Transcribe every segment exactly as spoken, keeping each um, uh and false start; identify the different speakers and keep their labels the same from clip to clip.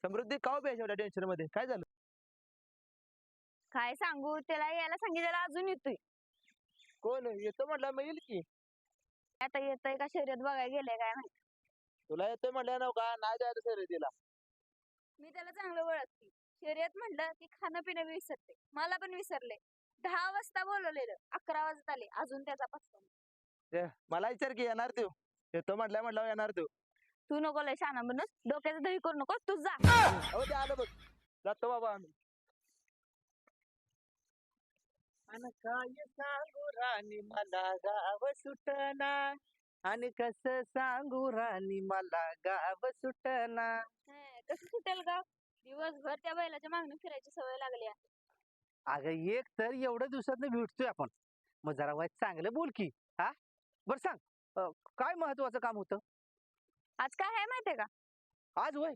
Speaker 1: समृद्धी का उभी आहे एवढ्या टेन्शन मध्ये? काय झालं?
Speaker 2: काय सांगू, त्याला यायला सांगितलेलं अजून येतोय.
Speaker 1: कोण येतो म्हटलं मग येईल की.
Speaker 2: आता येतोय का शर्यत बघायला गेले काय माहिती.
Speaker 1: तुला येतोय म्हटलं नव का नाही जायचं शर्यतीला.
Speaker 2: मी त्याला चांगलं ओळखते. शर्यत म्हटलं की खाणं पिणं विसरते. मला पण विसरले. दहा वाजता बोलवलेलं, अकरा वाजता आले, अजून त्याचा पत्ता नाही.
Speaker 1: ते मला विचार की येणार तू. येतो म्हटलं म्हटलं येणार तू.
Speaker 2: तू नको लय शहाणा बनूस, डोक्याचं दही करू नको, तू जा.
Speaker 1: हो ते आलं बघ. जातो बाबा आम्ही. आणि काय सांगू राणी मला गाव सुटना, आणि कसं सांगू राणी मला गाव सुटना.
Speaker 2: हं, कसं सुटेल गाव? दिवसभर त्या बैलाच्या मागणी फिरायची सवय लागली आहे.
Speaker 1: अगं एक तर एवढ्या दिवसात भेटतोय आपण, मग जरा वाईट चांगलं बोल की. हा बर सांग, अं, काय महत्वाचं काम होतं
Speaker 2: आज काय आहे माहितीये का?
Speaker 1: आज? वय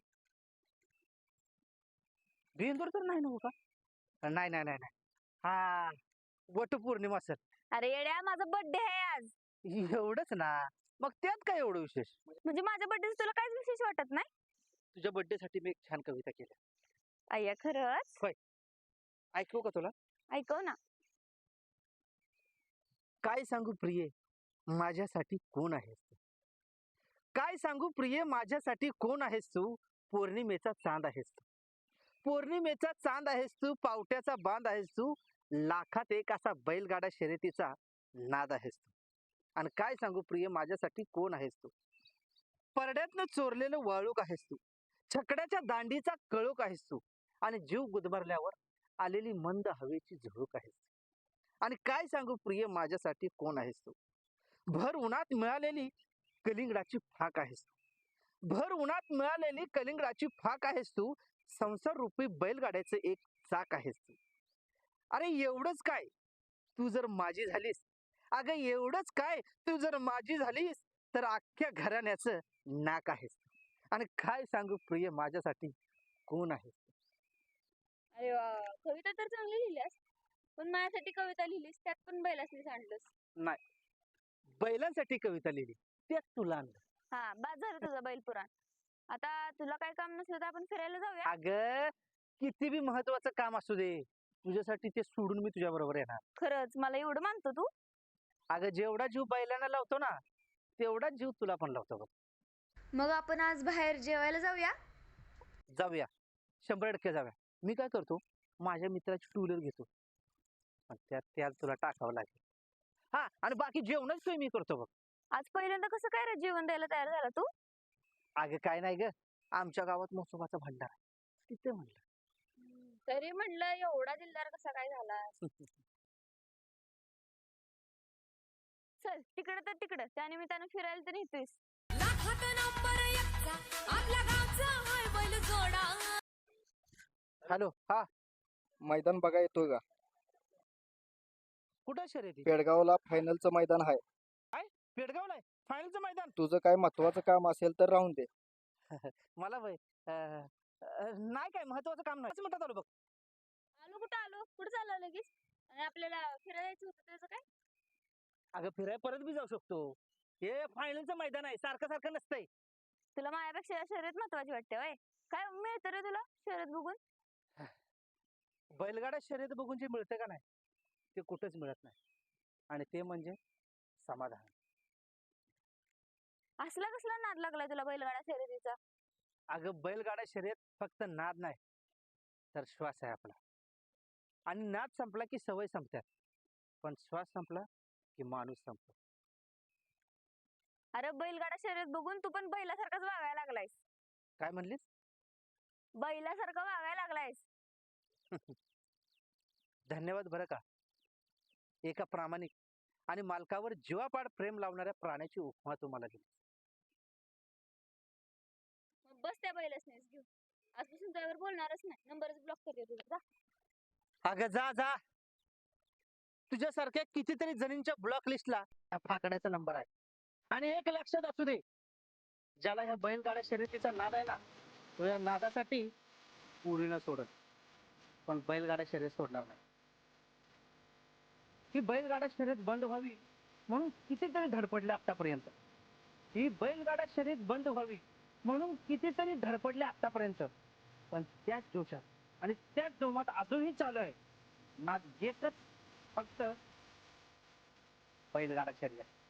Speaker 1: बेंदूर तर नाही नव्ह का? नाही नाही नाही नाही हा, वटपौर्णिमा सर.
Speaker 2: अरे येड्या, माझा बर्थडे आहे आज.
Speaker 1: एवढंच ना, मग त्यात काय एवढं विशेष?
Speaker 2: म्हणजे माझ्या बर्थडे तुला काहीच विशेष वाटत नाही?
Speaker 1: तुझ्या बर्थडे साठी मी एक छान कविता केली.
Speaker 2: अय्या खरंच?
Speaker 1: होय, ऐकू का तुला?
Speaker 2: ऐकव ना.
Speaker 1: काय सांगू प्रिये माझ्यासाठी कोण आहेस तू? काय सांगू प्रिये माझ्यासाठी कोण आहेस तू? पौर्णिमेचा चांद आहेस तू. पौर्णिमेचा चांद आहेस तू, पावट्याचा बांध आहेस तू, लाखात एक असा बैलगाडा शर्यतीचा नाद आहेस तू. आणि काय सांगू प्रिय माझ्यासाठी कोण आहेस तू? परड्यातनं चोरलेलं वाळूक आहेस तू, छकड्याच्या दांडीचा कळूक आहेस तू, आणि जीव गुदमरल्यावर आलेली मंद हवेची झुळूक आहेस तू. आणि काय सांगू प्रिय माझ्यासाठी कोण आहेस तू? भर उन्हात मिळालेली कलिंगडाची फाक आहेस तू. भर उन्हात मिळालेली कलिंगडाची फाक आहेस तू, संसार रूपी बैलगाड्याचं एक चाक आहेस तू. अरे एवढंच काय, तू जर माझी झालीस, अगं एवढंच काय, तू जर माझी झालीस तर अख्ख्या घराण्याचं नाक आहेस तू. आणि काय सांगू प्रिय माझ्यासाठी कोण आहेस तू?
Speaker 2: अरे वा, कविता तर चांगली लिहिल्यास, पण माझ्यासाठी कविता लिहिलीस त्यात पण बैलासनीच आणलंस.
Speaker 1: नाही, बैलांसाठी कविता लिहिली त्यात तुला आणलं.
Speaker 2: हा, बाद झालं तुझं बैल पुराण. आता तुला काय काम नसलं तर आपण फिरायला जाऊया.
Speaker 1: अगं किती बी महत्वाचं काम असू दे, तुझ्यासाठी ते सोडून मी तुझ्या बरोबर येणार.
Speaker 2: खरंच मला एवढं मानतो तू?
Speaker 1: अगं जेवढा जीव बैलांना लावतो ना, तेवढाच जीव तुला पण लावतो बघ.
Speaker 2: मग आपण आज बाहेर जेवायला जाऊया.
Speaker 1: जाऊया, शंभर टक्के जाऊया. मी काय करतो, माझ्या मित्राची टू व्हीलर घेतो, आणि त्यात त्यात तुला टाकावं लागेल. हा, आणि बाकी जेवणच सोय मी करतो बघ.
Speaker 2: आज पहिल्यांदा कसं काय रे जेवण द्यायला तयार झाला तू?
Speaker 1: अगं काय नाही ग, आमच्या गावात मोसोबाचा भंडार आहे, तिथे म्हणलं.
Speaker 2: तरी म्हणलं एवढा दिलदार कसा काय झाला? चल तिकडं तर तिकडं, त्या निमित्तानं फिरायला तर नेतोयस.
Speaker 1: हॅलो, हा
Speaker 3: मैदान बघा येतोय का?
Speaker 1: कुठं शर्यती?
Speaker 3: पेडगावला फायनलचं मैदान आहे.
Speaker 1: काय पेडगावला आहे फायनलचं मैदान?
Speaker 3: तुझं काय महत्वाचं काम असेल तर राहून दे.
Speaker 1: मला वय अं, अं, नाही काय महत्वाचं काम नाही, म्हणतात आलो बघ.
Speaker 2: आलो कुठं आलो, कुठं चाललो लगेच? आणि आपल्याला फिरायला जायचं होतं त्याचं काय?
Speaker 1: अगं फिराय परत बी जाऊ शकतो, हे फायनलचं मैदान आहे, सारखं सारखं नसतंय.
Speaker 2: तुला माझ्यापेक्षा शर्यत महत्वाची वाटते वय? काय मिळतं रे तुला शर्यत बघून?
Speaker 1: बैलगाडा शर्यत बघून जे मिळतं का नाही, ते कुठंच मिळत नाही, आणि ते म्हणजे समाधान.
Speaker 2: असला कसला नाद लागलाय तुला बैलगाडा शर्यतीचा?
Speaker 1: अगं बैलगाडा शर्यत फक्त नाद नाही तर श्वास आहे आपला, आणि नाद संपला की सवय संपतात, पण श्वास संपला की माणूस संपतो.
Speaker 2: अरे बैलगाडा शर्यत बघून तू पण बैलासारखाच वागायला लागलायस.
Speaker 1: काय म्हणलीस?
Speaker 2: बैलासारखं वागायला लागलायस.
Speaker 1: धन्यवाद बरं का, एका प्रामाणिक आणि मालकावर जीवापाड प्रेम लावणाऱ्या प्राण्याची उपमा तुम्हाला दिली.
Speaker 2: मग बस त्या बैलासनीच घेऊन, आजपासून त्यावर बोलणारच नाही, नंबरच ब्लॉक करते तुझा. जा.
Speaker 1: अगं जा जा, तुझ्यासारख्या कितीतरी जणींच्या ब्लॉक लिस्टला फाकड्याचा नंबर आहे. आणि एक लक्षात असू दे, ज्याला ह्या बैलगाड्या शर्यतीचा नाद आहे ना, तो या नादासाठी पुरीला सोडत, पण बैलगाडा शर्यत सोडणार नाही. ही बैलगाडा शर्यत बंद व्हावी म्हणून कितीतरी धडपडले आतापर्यंत. ही बैलगाडा शर्यत बंद व्हावी म्हणून कितीतरी धडपडले आतापर्यंत, पण त्याच जोशात आणि त्याच जोमात अजूनही चालू आहे नाद एकच फक्त बैलगाडा शर्यत.